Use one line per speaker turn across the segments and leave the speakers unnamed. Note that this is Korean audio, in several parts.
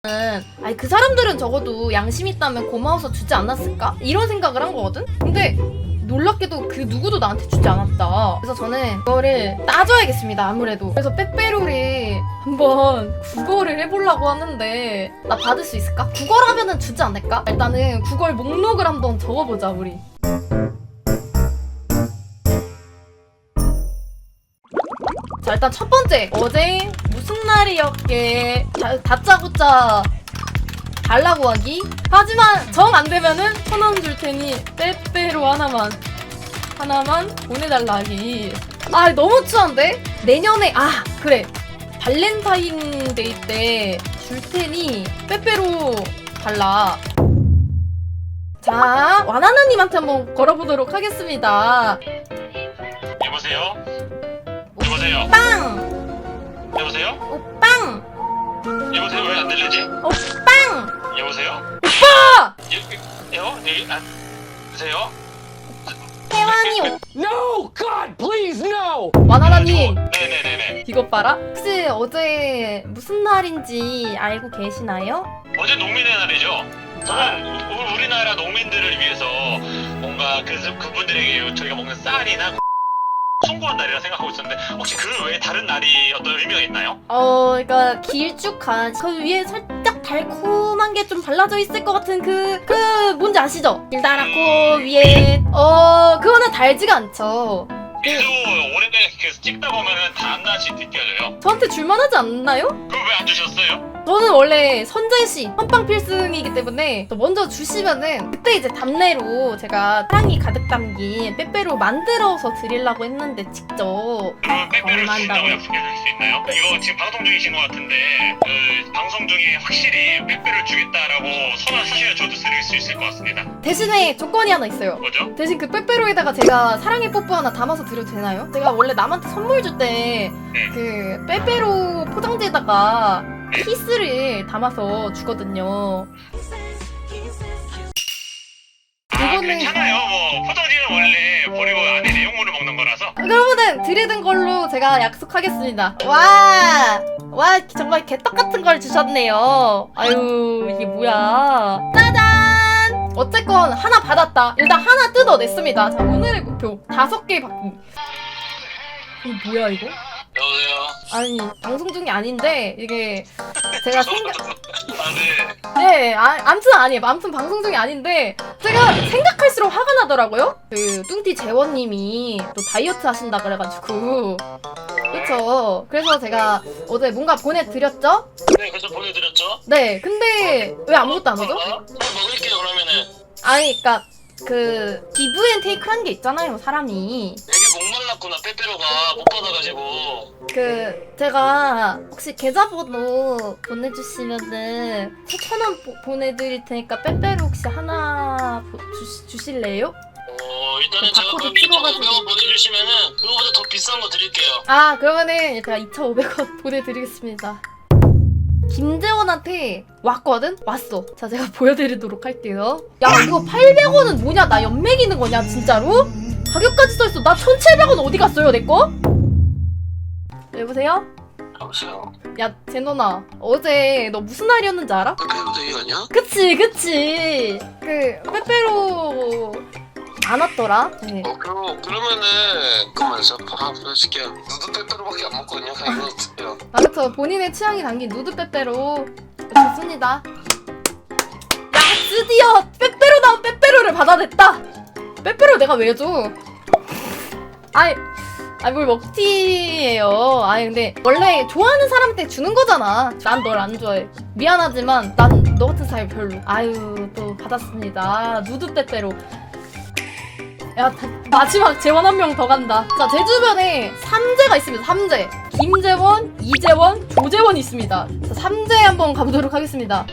아니 그 사람들은 적어도 양심 있다면 고마워서 주지 않았을까? 이런 생각을 한 거거든? 근데 놀랍게도 그 누구도 나한테 주지 않았다. 그래서 저는 그거를 따져야겠습니다. 아무래도. 그래서 빼빼로를 한번 국어를 해보려고 하는데 나 받을 수 있을까? 국어라면은 주지 않을까? 일단은 국어 목록을 한번 적어보자 우리. 자 일단 첫 번째, 어제 무슨 날이었게 다짜고짜 달라고 하기. 하지만 정 안 되면은 1,000원 줄 테니 빼빼로 하나만 보내달라 하기. 아 너무 추한데? 내년에 그래 발렌타인데이 때 줄 테니 빼빼로 달라. 자 와나나님한테 한번 걸어보도록 하겠습니다.
여보세요? 여보세요?
빵!
여보세요?
오빵!
여보세요? 왜 안 들리지?
오빵!
여보세요?
오빠!
여보세요?
태환이
No! God, please, no!
와나나님
네네네네.
이것 봐라. 혹시 어제 무슨 날인지 알고 계시나요?
어제 농민의 날이죠? 저는 우리나라 농민들을 위해서 뭔가 그분들에게 저희가 먹는 쌀이나 송구한 날이라 생각하고 있었는데 혹시 그 외에 다른 날이 어떤 의미가 있나요?
그러니까 길쭉한 그 위에 살짝 달콤한 게 좀 발라져 있을 것 같은 그 뭔지 아시죠? 길다랗고 위에 그거는 달지가 않죠.
계속 오래 계속 찍다 보면은 단맛이 느껴져요.
저한테 줄만하지 않나요?
그걸 왜 안 주셨어요?
저는 원래 선제시 헌빵 필승이기 때문에 먼저 주시면은 그때 이제 답례로 제가 사랑이 가득 담긴 빼빼로 만들어서 드리려고 했는데 직접
그러면 빼빼를
얼마나
주신다고
한다고요?
약속해 줄 수 있나요? 이거 지금 방송 중이신 것 같은데 그 방송 중에 확실히 빼빼를 주겠다라고 선언 하시면 저도 드릴 수 있을 것 같습니다.
대신에 조건이 하나 있어요.
뭐죠?
대신 그 빼빼로에다가 제가 사랑의 뽀뽀 하나 담아서 드려도 되나요? 제가 원래 남한테 선물 줄 때 그 빼빼로 포장지에다가 키스를 담아서 주거든요. 이거는
괜찮아요. 뭐 포장지는 원래 버리고 안에 내용물을 먹는 거라서.
그러면은 드리는 걸로 제가 약속하겠습니다. 와 정말 개떡 같은 걸 주셨네요. 아유 이게 뭐야? 짜잔! 어쨌건 하나 받았다. 일단 하나 뜯어냈습니다. 자 오늘의 목표 5개 받기. 이거 뭐야 이거?
여보세요.
아니 방송 중이 아닌데 이게 제가 생각
네.
암튼 아니에요. 암튼 방송 중이 아닌데 제가 생각할수록 화가 나더라고요. 그 뚱띠 재원님이 또 다이어트 하신다 그래가지고 그쵸. 그래서 제가 어제 뭔가 보내드렸죠?
네, 그래서 보내드렸죠.
네 근데 왜 아무것도 안 오죠?
먹을게요 그러면은.
아니 그니까 그 기브앤테이크라는 게 있잖아요 사람이.
되게 목말랐구나 빼빼로가 못 받아가지고.
그 제가 혹시 계좌번호 보내주시면은 4,000원 보내드릴 테니까 빼빼로 혹시 하나 주실래요?
일단은
그
제가
바코드
그럼
찍어가지고.
2,500원 보내주시면은 그거보다 더 비싼 거 드릴게요.
그러면은 제가 2,500원 보내드리겠습니다. 김재원한테 왔거든? 왔어. 자 제가 보여드리도록 할게요. 야 이거 800원은 뭐냐? 나 연맥이는 거냐 진짜로? 가격까지 써있어. 나 1,700원 어디 갔어요 내꺼? 여보세요?
여보세요.
야 제노나 어제 너 무슨 날이었는지 알아?
빼빼로 데이 아니야?
그치 그 빼빼로 안 왔더라? 네.
그러면은 그만 저 밥 보여줄게요. 누드 빼빼로밖에 안 먹거든요. 그냥 이거 드세요.
그쵸. 본인의 취향이 담긴 누드 빼빼로 좋습니다. 야 드디어 빼빼로 나온 빼빼로를 받아냈다. 빼빼로 내가 왜 줘? 아이 뭘 먹튀예요. 아니 근데 원래 좋아하는 사람한테 주는 거잖아. 난 널 안 좋아해. 미안하지만 난 너 같은 사람이 별로. 아유 또 받았습니다. 누드 빼빼로. 야 마지막 재원 한 명 더 간다. 자 제 주변에 3재가 있습니다. 3재. 김재원, 이재원, 조재원이 있습니다. 자 3재 한번 가보도록 하겠습니다.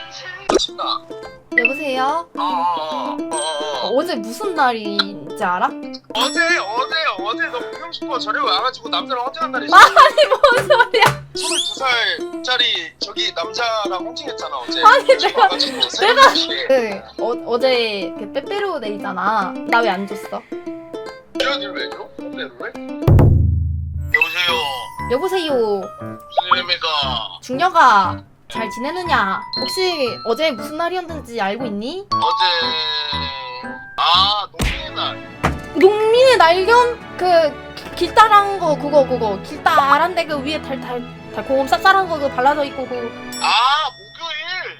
여보세요? 어제 무슨 날인지 알아?
어제 너 보고 싶어 저녁 와가지고 남자랑 헌팅한 날이지.
아니 뭔 소리야?
22살짜리 저기 남자랑 헌팅했잖아 어제.
아니, 내가
내가
어제 그 빼빼로 데이잖아. 나 왜 안 줬어?
이런일 왜 줘? 빼빼로를?
여보세요.
여보세요.
무슨 일입니까?
중녀가 잘 지내느냐? 혹시 어제 무슨 날이었는지 알고 있니?
어제 농민의 날.
농민의 날겸 그 길다란 거 그거 길다란데 그 위에 달콤 쌉쌀한 거 그 발라져 있고 그
목요일.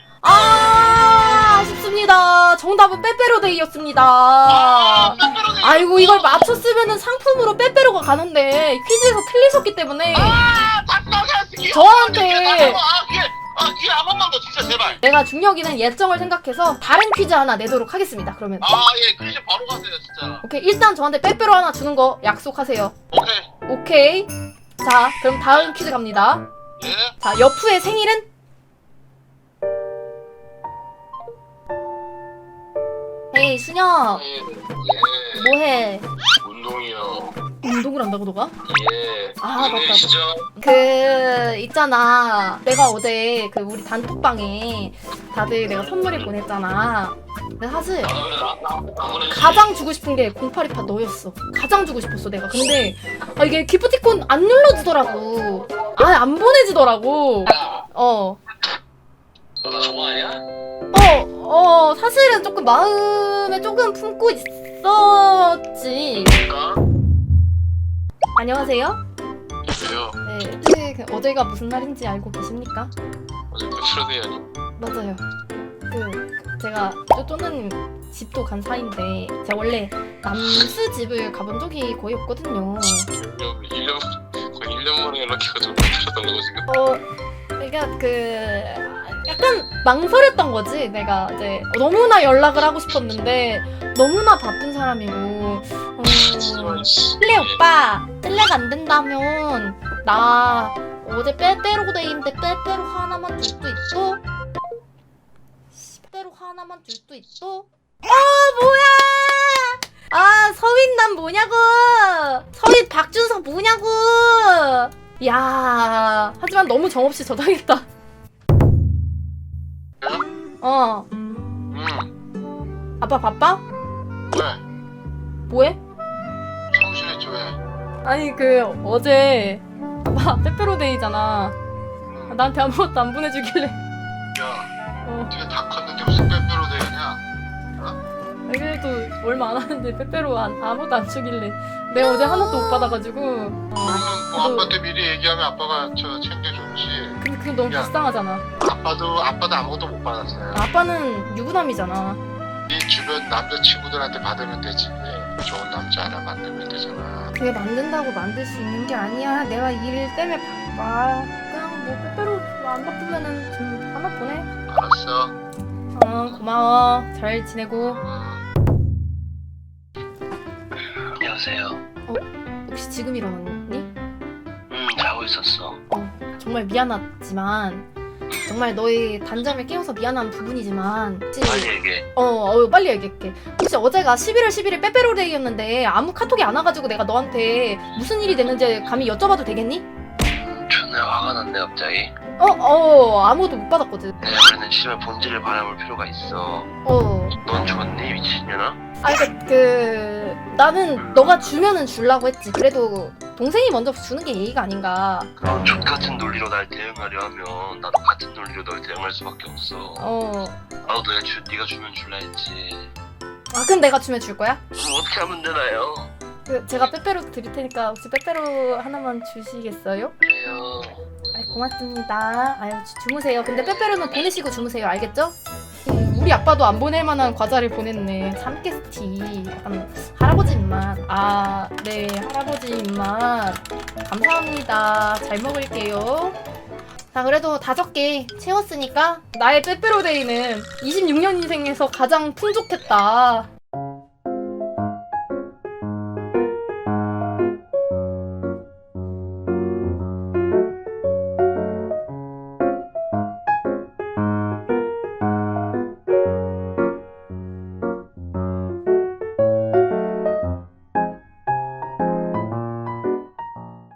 아쉽습니다. 정답은 빼빼로데이였습니다.
빼빼로데이.
아이고 이걸 맞췄으면은 상품으로 빼빼로가 가는데 퀴즈에서 틀리셨기 때문에 저한테
기회 한 번만 더 진짜 제발.
내가 중력이는 예정을 생각해서 다른 퀴즈 하나 내도록 하겠습니다. 그러면
예, 퀴즈 바로 가세요 진짜.
오케이 일단 저한테 빼빼로 하나 주는 거 약속하세요.
오케이.
오케이. 자 그럼 다음 퀴즈 갑니다.
예.
자 여푸의 생일은? 헤이 수녀
예.
뭐해?
운동이요.
운동을 한다고 너가?
예.
아, 맞다.
시죠?
그 있잖아 내가 어제 그 우리 단톡방에 다들 내가 선물을 보냈잖아. 근데 사실 가장 주고 싶은 게 0828 너였어. 가장 주고 싶었어 내가. 근데 이게 기프티콘 안 눌러지더라고. 안 보내지더라고.
너 좋아하냐?
사실은 조금 마음에 조금 품고 있었지.
그러니까.
안녕하세요.
왜요?
네, 혹시 그 어제가 무슨 날인지 알고 계십니까?
어제 빼빼로데이 아니?
맞아요. 제가 쪼쪼는 집도 간 사이인데 제가 원래 남수 집을 가본 적이 거의 없거든요.
1년 거의 1년 만에 연락해가지고 빼빼로달라고 지금.
그러니까 약간 망설였던 거지. 내가 이제 너무나 연락을 하고 싶었는데 너무나 바쁜 사람이고. 실례 오빠, 실례가 안 된다면 나 어제 빼빼로데이인데 빼빼로 하나만 줄 수 있어? 빼빼로 하나만 줄 수 있어? 뭐야? 서윗 난 뭐냐고? 서윗 박준석 뭐냐고? 야, 하지만 너무 정없이 저장했다. 아빠 바빠?
왜?
뭐해?
청소했지 왜?
아니 어제 아빠 빼빼로데이잖아. 나한테 아무것도 안 보내주길래.
야, 네가 다 컸는데 무슨 빼빼로데이냐?
그래도 얼마 안 하는데 빼빼로 아무것도 안 주길래 내가 어제 하나도 못 받아가지고.
그러면 뭐 아빠한테 미리 얘기하면 아빠가 챙겨줬지.
근데 그게 너무
야.
불쌍하잖아.
아빠도 아무것도 못 받았어요.
아빠는 유부남이잖아.
네 주변 남자친구들한테 받으면 되지. 좋은 남자 하나 만들면 되잖아.
그게 만든다고 만들 수 있는 게 아니야. 내가 일 때문에 바빠. 그냥 뭐 빼빼로 안 바쁘면은 좀 하나 보내.
알았어.
고마워. 잘 지내고.
안녕하세요.
혹시 지금 일어났니?
자고 있었어.
정말 미안하지만 정말 너의 단점을 깨워서 미안한 부분이지만 혹시
얘기해.
빨리 얘기할게. 혹시 어제가 11월 11일 빼빼로데이였는데 아무 카톡이 안 와가지고 내가 너한테 무슨 일이 됐는지 감히 여쭤봐도 되겠니?
존나 화가 났네 갑자기.
아무것도 못 받았거든.
내가 원래는 집에 본질을 바라볼 필요가 있어. 넌 좋니 미친년아?
나는 너가 주면은 주려고 했지. 그래도 동생이 먼저 주는 게 예의가 아닌가.
그럼 족같은 논리로 날 대응하려 하면 나도 같은 논리로 널 대응할 수밖에 없어. 나도 네가 주면 줄라 했지.
그럼 내가 주면 줄 거야?
그럼 어떻게 하면 되나요?
제가 빼빼로 드릴 테니까 혹시 빼빼로 하나만 주시겠어요?
그래요.
고맙습니다. 주무세요. 근데 빼빼로는 보내시고 주무세요. 알겠죠? 우리 아빠도 안 보낼 만한 과자를 보냈네. 참깨스티. 약간 할아버지 입맛. 네, 할아버지 입맛. 감사합니다. 잘 먹을게요. 자, 그래도 5개 채웠으니까 나의 빼빼로데이는 26년 인생에서 가장 풍족했다.